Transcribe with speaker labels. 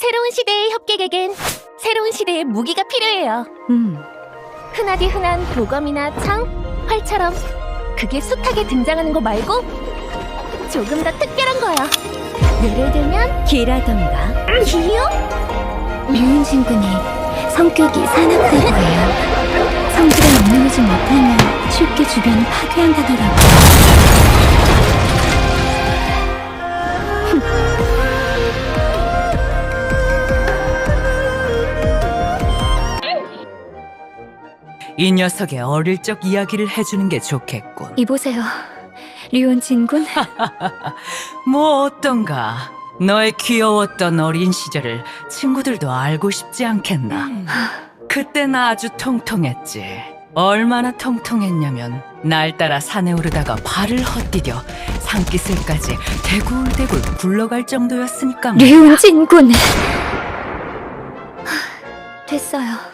Speaker 1: 새로운 시대의 협객에겐 새로운 시대의 무기가 필요해요. 흔하디 흔한 도검이나 창, 활처럼 그게 숱하게 등장하는 거 말고 조금 더 특별한 거야. 예를 들면
Speaker 2: 기라던가.
Speaker 1: 기요?
Speaker 2: 류은진 군이 성격이 사납다고 해요. 성질에 엇나오지 못하면 쉽게 주변을 파괴한다더라고요.
Speaker 3: 이 녀석의 어릴 적 이야기를 해주는 게 좋겠군.
Speaker 2: 이보세요, 류은진 군.
Speaker 3: 뭐 어떤가? 너의 귀여웠던 어린 시절을 친구들도 알고 싶지 않겠나? 그땐 아주 통통했지. 얼마나 통통했냐면 날 따라 산에 오르다가 발을 헛디뎌 산기슭까지 대굴대굴 굴러갈 정도였으니까 말이야.
Speaker 2: 류은진 군. 됐어요.